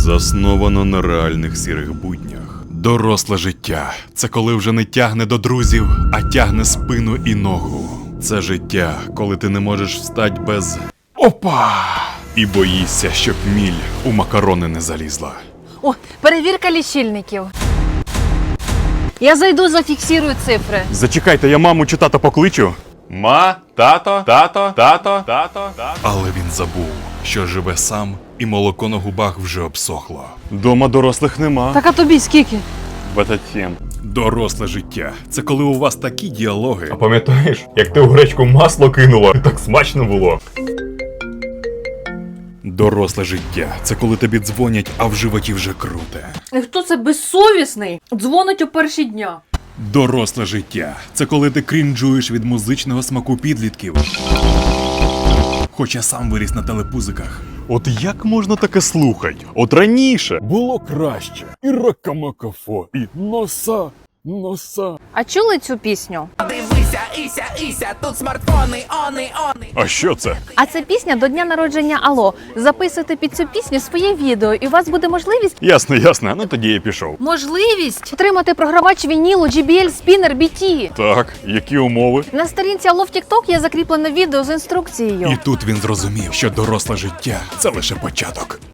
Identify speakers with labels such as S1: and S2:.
S1: Засновано на реальних сірих буднях. Доросле життя – це коли вже не тягне до друзів, а тягне спину і ногу. Це життя, коли ти не можеш встать без «Опа!» і боїшся, щоб міль у макарони не залізла.
S2: О, перевірка лічильників. Я зайду, зафіксирую цифри.
S1: Зачекайте, я маму чи тата покличу? Ма, тато. Але він забув, що живе сам і молоко на губах вже обсохло. Дома дорослих нема.
S2: Так а тобі скільки?
S1: 27. Доросле життя – це коли у вас такі діалоги.
S3: А пам'ятаєш, як ти у гречку масло кинула? Так смачно було.
S1: Доросле життя – це коли тобі дзвонять, а в животі вже круте.
S2: І хто це безсовісний? Дзвонить о перші дня.
S1: Доросле життя – це коли ти крінжуєш від музичного смаку підлітків. Хоча сам виріс на телепузиках.
S3: От як можна таке слухати? От раніше.
S1: Було краще. І ракамакафо, і носа.
S2: А чули цю пісню?
S4: Дивися, Іся, тут смартфони, они.
S1: А що це?
S2: А це пісня до дня народження Алло. Записуйте під цю пісню своє відео, і у вас буде можливість
S1: Ясно, ну тоді я пішов.
S2: отримати програвач вінілу JBL Spinner BT.
S1: Так, які умови?
S2: На сторінці Алло в TikTok є закріплене відео з інструкцією.
S1: І тут він зрозумів, що доросле життя – це лише початок.